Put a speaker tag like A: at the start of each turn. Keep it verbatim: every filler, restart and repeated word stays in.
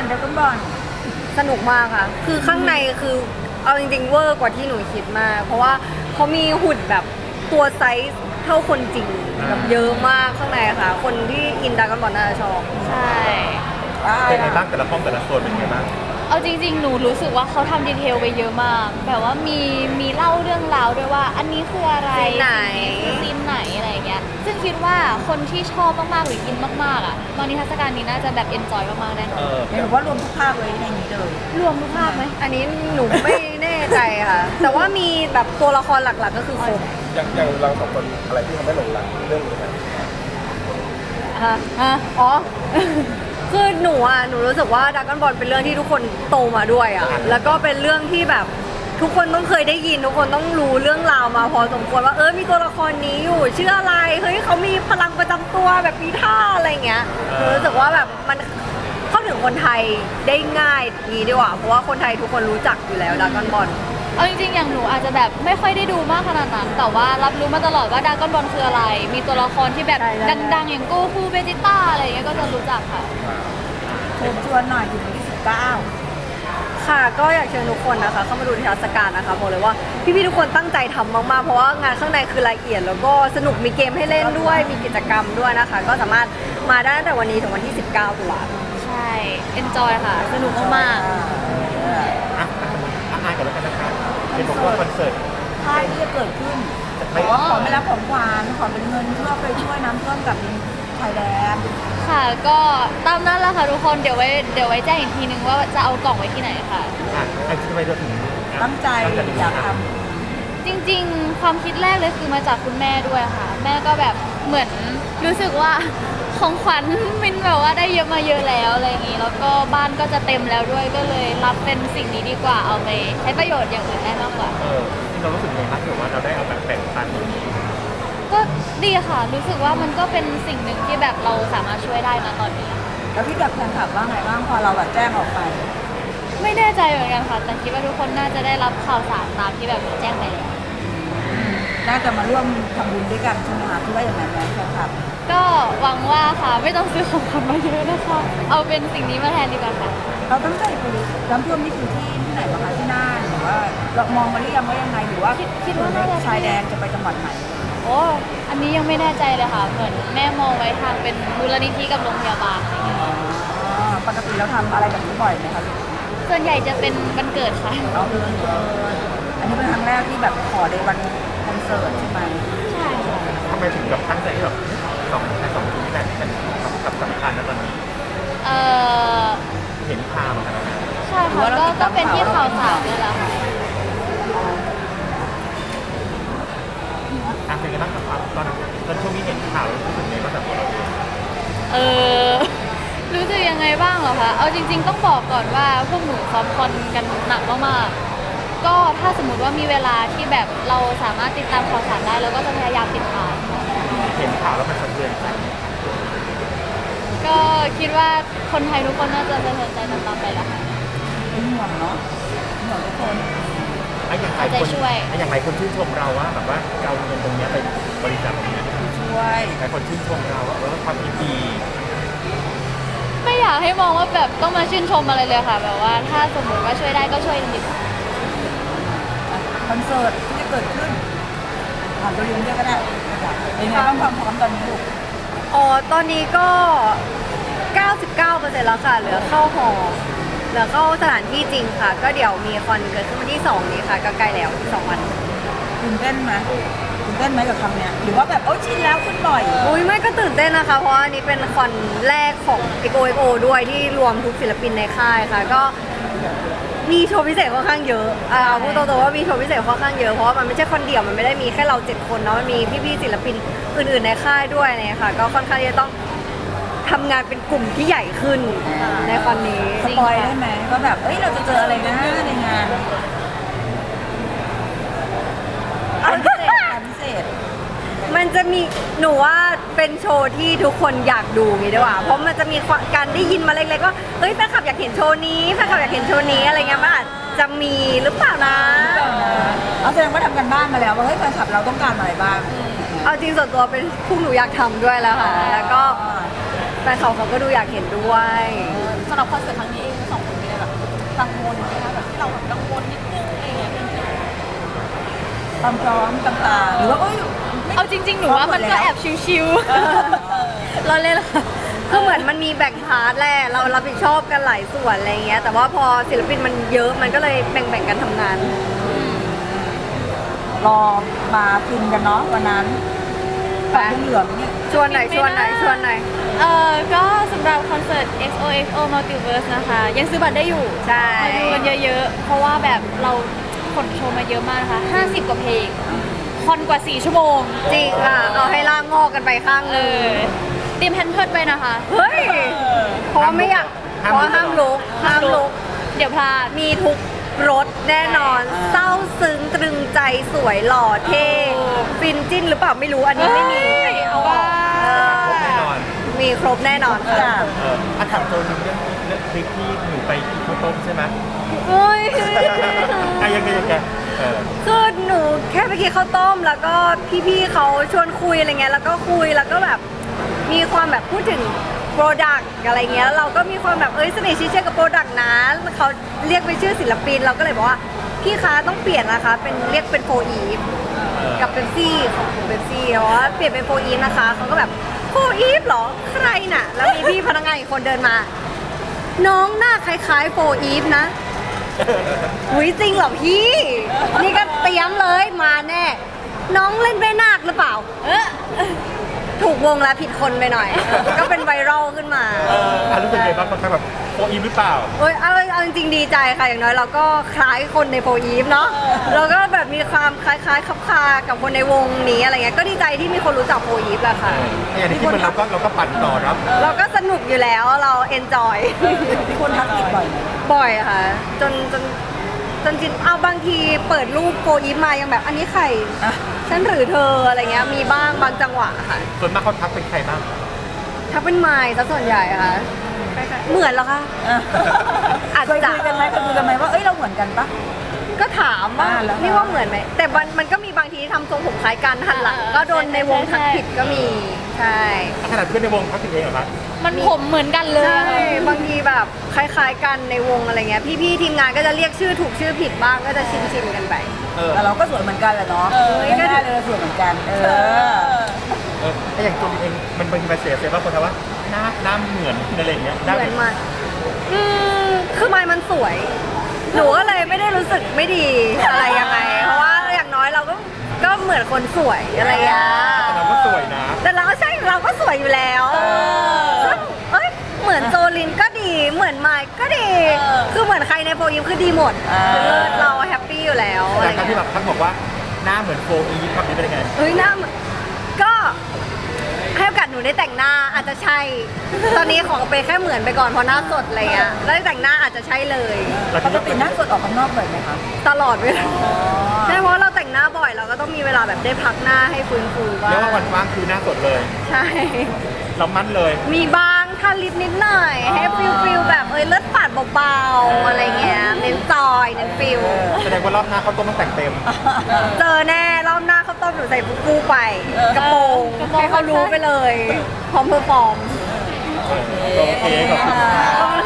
A: ดราก้อนบอล
B: สนุกมากค่ะคือข้างในคือเอาจริงๆเวอร์กว่าที่หนูคิดมากเพราะว่าเขามีหุ่นแบบตัวไซส์เท่าคนจริงแบบเยอะมากข้างในค่ะคนที่อินดราก้อนบอลน่าจะชอบ
C: ใช่
D: เป็นไงบ้างแต่ละห้องแต่ละโซนเป็นไงบ้าง
C: เอาจริงๆหนูรู้สึกว่าเขาทำดีเทลไปเยอะมากแบบว่ามีมีเล่าเรื่องราวด้วยว่าอันนี้คืออะไร
B: ซีนไหน
C: คือซีนไหนอะไรอย่างเงี้ยซึ่งคิดว่าคนที่ชอบมากๆหรืออินมากๆอ่ะตอนนิทรรศการนี้น่าจะแบบเอนจอยมากๆแน่นอน
A: เห็นว่ารวมทุกภาคเลยในนี้เลย
C: รวมทุกภาคไหม
B: อันนี้หนูไม่แน่ใจค่ะ แต่ว่ามีแบบตัวละครหลักๆก็คือครบ
D: อย่างอย่างเราสองคนอะไรที่ทำให้หลงรักเรื่องนี้นะ
B: ฮะฮะอ๋อ คือหนูอ่ะหนูรู้สึกว่าดราก้อนบอลเป็นเรื่องที่ทุกคนโตมาด้วยอ่ะแล้วก็เป็นเรื่องที่แบบทุกคนต้องเคยได้ยินทุกคนต้องรู้เรื่องราวมาพอสมควรว่าเออมีตัวละครนี้อยู่ชื่ออะไรเฮ้ยเขามีพลังประจำตัวแบบมีท่าอะไรเงี้ยหนูรู้สึกว่าแบบมันเข้าถึงคนไทยได้ง่ายนี้ดีกว่าเพราะว่าคนไทยทุกคนรู้จักอยู่แล้วดราก้อนบอล
C: เอาจริงๆอย่างหนูอาจจะแบบไม่ค่อยได้ดูมากขนาดนั้นแต่ว่ารับรู้มาตลอดว่าดราก้อนบอลคืออะไรมีตัวละครที่แบบดังๆอย่างโกคูเบจิต้าอะไรเงี้ยก็จะรู้จักค่ะ
A: เชิญชวนหน่อยถึงวันที่สิบเก้า
B: ค่ะก็อยากเชิญทุกคนนะคะเข้ามาดูนิทรรศการนะคะบอกเลยว่าพี่ๆทุกคนตั้งใจทำมากๆเพราะว่างานข้างในคือละเอียดแล้วก็สนุกมีเกมให้เล่นด้วยมีกิจกรรมด้วยนะคะก็สามารถมาได้ตั้งแต่วันนี้ถึงวันที่สิบเก้าตุลาคม
C: ใช่ enjoy ค่ะสนุกมากๆ
D: อ่ะอ่ะอ่านก่อนแล้วกันนะคะเป็นบอกว่าคอนเสิร์ต
A: ค่ายที่จะเกิดขึ้นขอขอไม่รับของขวัญขอเป็นเงินเพื่อไปช่วยน้ำท่วมกับชายแดน
C: ค่ะก็ตามนั้นแหละค่ะทุกคนเดี๋ยวไว้เดี๋ยวไว้แจ้งอีกทีนึงว่าจะเอากล่องไว้ที่ไหนค่ะ
D: อ่ะไอ้ที่ไปถึง
A: ตั้งใจอยากทำ
C: จริงๆความคิดแรกเลยคือมาจากคุณแม่ด้วยค่ะแม่ก็แบบเหมือนรู้สึกว่าของขวัญมันแบบว่าได้เยอะมาเยอะแล้วอะไรอย่างนี้แล้วก็บ้านก็จะเต็มแล้วด้วยก็เลยรับเป็นสิ่งนี้ดีกว่าเอาไปใช้ประโยชน์อย่างอื่นได้มากกว่า
D: เออที่เรารู้สึกไงบ้างถือว่าเราได้เอาแบบแบ่งปันตรงนี้
C: ก็ดีค่ะรู้สึกว่ามันก็เป็นสิ่งหนึ่งที่แบบเราสามารถช่วยได้นะตอนนี้
A: แล้วพี่กับแฟนคลับว่าไงบ้างพอเราแบบแจ้งออกไป
C: ไม่แน่ใจเหมือนกันค่ะแต่คิดว่าทุกคนน่าจะได้รับข่าวสารตามที่แบบแจ้งไปแล้ว
A: น่าจะมาร่วมทำบุญด้วยกันใช่ไหมคะคิดว่าอย่างนั้นไหมแฟนคลับ
C: ก็หวังว่าค่ะไม่ต้องซื้อของขวัญมาเยอะนะคะเอาเป็นสิ่งนี้มาแทนดีกว่าค่ะ
A: เราตั้งใจไปน้ำท่วมนี่คือที่ที่ไหนบ้างคะที่น่านหรือว่าเรามองมาหรือยังว่ายังไงหรือว่า
C: คิดว่าน่าจะ
A: ชายแดนจะไปจังหวัดไหน
C: โอ้อันนี้ยังไม่แน่ใจเลยค่ะเหมือนแม่มองไว้ทางเป็นมูลนิธิกับโรงพยาบาลอะไรอย่างเงี้ย
A: ปกติเราทำอะไรแบบนี้บ่อยไหมคะ
C: ส่วนใหญ่จะเป็นวันเกิดค่ะ
A: เอาเกินอันนี้เป็นครั้งแรกที่แบบขอในวันคอนเสิร์ตใช่ไหม
C: ใช่ค่ะ
D: ทำไมถึงแบบตั้งใจที่แบบสองสองที่แบบเป็นกับสำคัญนะตอนนี้
C: เออ
D: เห็นข่าวกัน
C: ใช่ค่ะก็ก็เป็นที่ข่าวสารนี่แหละค่ะ
D: อ่ะเป็นไงบ้างครับตอนตอนช่วงนี้เห็นข่าวรู้สึกไงบ้างแบบเรา
C: เออรู้สึกยังไงบ้างเหรอคะเอาจริงๆต้องบอกก่อนว่าพวกหนูซ้อมคอนกันหนักมากๆก็ถ้าสมมติว่ามีเวลาที่แบบเราสามารถติดตามข่าวสารได้เราก็จะพยายามติดตาม
D: เห็นข่าวแล้วมันสะเทือนใจ
C: ก็คิดว่าคนไทยทุกคนน่าจะสะเทือนใจตามๆไปแล้วค่ะ
A: เป็นห่วงเนาะห่วงทุกคน
D: ไอ้อย่างไรคนไอ้อย่างไรคนชื่นชมเราว่าแบบว่าเอาเงินตรงนี้ไปบริจาคตรงนี้
A: ช่วย
D: หลายคนชื่นชมเราว่าความดี
C: ไม่อยากให้มองว่าแบบต้องมาชื่นชมอะไรเลยค่ะแบบว่าถ้าสมมติว่าช่วยได้ก็ช่วยจริง
A: คอนเสิร์ตที่จะเกิดขึ้นผ่านตัวลิงก์ด้วยก็ได้เป็นไงบ้างความพร้อมตอนนี้ลูก
B: อ๋อตอนนี้ก็ เก้าสิบเก้าเปอร์เซ็นต์ แล้วค่ะเหลือเข้าหอเหลือเข้าสถานที่จริงค่ะก็เดี๋ยวมีคอนเกิดขึ้นวันที่สองนี้ค่ะก็ใกล้แล้วสองวัน
A: ตื่นเต้นไหมตื่นเต้นไหมกับคำเนี้ยหรือว่าแบบโอ้ชินแล้วขึ้นบ่อย
B: อุ้ยไม่ก็ตื่นเต้นนะคะเพราะอันนี้เป็นคอนแรกของ เอ็ก โอ เอ็ก โอ ด้วยที่รวมทุกศิลปินในค่ายค่ะก็มีโชว์พิเศษค่อนข้างเยอะอ่าพูดตรงๆว่ามีโชว์พิเศษค่อนข้างเยอะเพราะว่ามันไม่ใช่คอนเดี่ยวมันไม่ได้มีแค่เราเจ็ดคนเนาะมันมีพี่ๆศิลปินอื่นๆในค่ายด้วยเนี่ยค่ะก็ค่อนข้างจะต้องทำงานเป็นกลุ่มที่ใหญ่ขึ้นในคอนนี้
A: สปอยได้ไหมว่าแบบเอ้ยเราจะเจออะไรนะในงานอันพิเศษอันพิเศษ
B: มันจะมีหนูว่าเป็นโชว์ที่ทุกคนอยากดูงี้ดีกว่าเพราะมันจะมีการได้ยินมาเล็กๆว่าเฮ้ยแฟนคลับอยากเห็นโชว์นี้แฟนคลับอยากเห็นโชว์นี้อะไรเงี้ยมันอาจจะมีหรือเปล่านะ
A: เอาแสดงว่าทำกันบ้านมาแล้วว่าเฮ้ยแฟนคลับเราต้องการอะไรบ้าง
B: เอาจริงส่วนตัวเป็นพวกหนูอยากทำด้วยแล้วค่ะแล้วก็แฟนคลับเขาก็ดูอยากเห็นด้วย
A: สำหรับคอนเสิร์ตครั้งนี้เองทั้งสองคนมีอะไรแบบกังวลไหมคะแบบที่เราแบบกังวลนิดนึงอะไรอย่างเงี้ยความพร้อมต่างๆหรือว่าเอ้ย
C: เอาจริง ๆ หนูว่ามันก็แอบชิว
B: เราเล่นละค่ะคือเหมือนมันมีแบ่งพาร์ทแหละเรารับผิดชอบกันหลายส่วนอะไรเงี้ย แต่ว่าพอศิลปินมันเยอะมันก็เลยแบ่งๆกันทำงาน
A: รอมาฟินกันเนาะวันนั้น
B: ไป
A: ปัดเหลืองเนี่ย
B: ชวนหน่อยชวนหน่อยชวนหน่อย
C: ๆเออก็สำหรับคอนเสิร์ต เอ็กซ์ โอ เอ็กซ์ โอ Multiverse นะคะ ยังซื้อบัตรได้อยู่
B: ใช่
C: มาดูกันเยอะๆ เพราะว่าแบบเราขนโชว์มาเยอะมากนะคะห้าสิบกว่าเพลง คอนกว่าสี่ชั่วโมง
B: จริงค่ะเอาให้ล่างงอกกันไปข้าง
C: เอ
B: นึง
C: อเตรียมแพนเพิร์ดไปนะคะ
B: เฮ้ยเพราะว่าไม่อยากเพราะว่าห้ามลุกห้ามลุก
C: เดี๋ยวพลาด
B: มีทุกรสแน่นอน เศร้าซึ้งตรึงใจสวยหล่อเท่ฟินจิ้นหรือเปล่าไม่รู้อันนี้ไม่มี
C: เอ้ยเอาว่า
B: เออ
D: ครบแน่นอน
B: มีครบแน่นอนค่ะ
A: ค่ะ
D: เอออ่ะถามตัวนึงเรื่องเรื่องคลิปที่หนูไปกินข้าวต้มใช่ไหม
B: เฮ้ย
D: อ่ะยังไงยังไงเออ
B: คือหนูแค่ไปกินข้าวต้ม แล้วก็พี่ๆเขาชวนคุยอะไรเงี้ยแล้วก็คุยแล้วก็แบบมีความแบบพูดถึงโปรดักต์อะไรเงี้ยแล้วเราก็มีความแบบเอ้ยสนิทชิดเชื่อกับโปรดักต์นะเขาเรียกไปนชื่อศิลปินเราก็เลยบอกว่าพี่คะต้องเปลี่ยนนะคะเป็นเรียกเป็นโฟอีฟ กับเบปซี่ของเบปซี่เพราะว่าเปลี่ยนเป็นโฟอีฟนะคะเขาก็แบบโฟอีฟเหรอใครน่ะ แล้วมีพี่พนักงานอีกคนเดินมา น้องหน้าคล้ายๆโฟอีฟนะอุ้ยจริงเหรอพี่ นี่ก็เตรียมเลยมาแน่ น้องเล่นแม่นาคหรือเปล่า เออถูกวงแล้วผิดคนไปหน่อย ก็เป็นไวรัลขึ้นมา
D: เอออ่ะรู้สึกไงบ้างบางครั้งแบบโฟอีฟหรือเปล่า
B: เอ้ยเอาเอาจริงๆดีใจค่ะอย่างน้อยเราก็คล้ายคนในโฟอีฟเนาะเราก็แบบมีความคล้ายๆคับคากับคนในวงนี้อะไรเงี้ยก็ดีใจที่มีคนรู้จักโฟอีฟแหละค่ะ
D: อย่างที่มันเราก็เราก็ปั่นต่อรับ
B: เราก็สนุกอยู่แล้วเราเอนจอย
A: มีคนทักติดบ่อยไหม
B: บ่อยค่ะ จนจนจนจินเอาบางทีเปิดรูปโฟอีฟมายังแบบอันนี้ใคร
A: อ่ะ
B: ฉันหรือเธออะไรเงี้ยมีบ้างบางจังหวะค่ะ
D: ส่วนมากเขาทักเป็นใครบ้าง
B: ถ้าเป็นไมล์ซะส่วนใหญ่ค่ะคล้ายๆเหมือนเหรอคะ
A: อ่ะ
B: อาจ
A: เคย
B: จะ
A: คุยกันไหมเคยคุยกันไหมว่าเอ้ยเราเหมือนกันปะ
B: ก็ถามว่า
A: อ่าแล้ว
B: นี่ว่าเหมือนไหมแต่มันมันก็มีบางทีที่ทำทรงผมคล้ายกันหันหลัง
C: อ่า
B: ก็โดนในวงทัก
C: ใช่
B: ผิดก็มีใช่
D: ขนาดเพื่อนในวงทักถึงเองเหรอครับ
C: มันผมเหมือนกันเลย
B: ใช่
C: อะ
B: บางทีแบบคล้ายๆกันในวงอะไรเงี้ยพี่ๆทีมงานก็จะเรียกชื่อถูกชื่อผิดบ้างก็จะชินๆกันไป
D: เออ
A: แต่เราก็สวยเหมือนกันแหละเนาะไม่ได้เลยเราสวยเหมือนกัน เออ
D: เออไอ้อย่างตัวเองมันเป็นมาเสียเสียบ้างคนทว่าหน้าหน้าเหมือนอะไรอย่างเงี้ยได้
B: เหมือนมันอืมคือไม้มันสวย หนูก็เลยไม่ได้รู้สึกไม่ดีอะไรยังไง เพราะว่าอย่างน้อยเราก็ก็เหมือนคนสวยอะไรอย่างเงี้ย
D: แต่เราก็สวยนะ
B: แต่เราก็ใช่เราก็สวยอยู่แล้วซึ่งเอ้ยเหมือนโจลินก็ดีเหมือนไมค์ก็ดี
A: เออ
B: คือเหมือนใครในโฟยิมคือดีหมด
A: อ่า
B: คือเลิศเราแฮปปี้อยู่แล้วอะ
D: แต่
B: ไร
D: การที่
B: เงี้ย
D: แบบทักบอกว่าหน้าเหมือนโฟอีฟครับนี่เป็นยังไง
B: เฮ้ยหน้าเหมือนก็ให้โอกาสหนูได้แต่งหน้าอาจจะใช่ ตอนนี้ขอเป็นแค่เหมือนไปก่อนเพราะหน้าสดอะไรเงี้ยแล้วแต่งหน้าอาจจะใช่เลย
A: ปกติหน้าสดออกข้างนอกบ่อยไหมคะ
B: ตลอดเวลาใช่เพราะเราแต่งหน้าบ่อยเราก็ต้องมีเวลาแบบได้พักหน้าให้ฟื้นฟูบ้า
D: เรียกว่า
B: ง
D: วันว่างคือหน้าสดเลย
B: ใช่
D: เรามั่นเลย
B: มีบ้างทาลิปนิดหน่อย ให้ฟิลฟิลแบบเอ้ยเลือดฝาดเบาๆอะไรเงี้ยเน้นจอยเน้นฟิล
D: แสดงว่ารอบหน้าเขาต้องมาแต่งเต็ม
B: เจอแน่รอบหน้าเขาวต้มหนูใส่ฟูๆไป กระโปรง
C: กระโปรง
B: ให้เขารู้ไปเลย พร้อมเพอร์ฟอร์ม
D: โอเคขอบคุณ
B: ขอบคุณ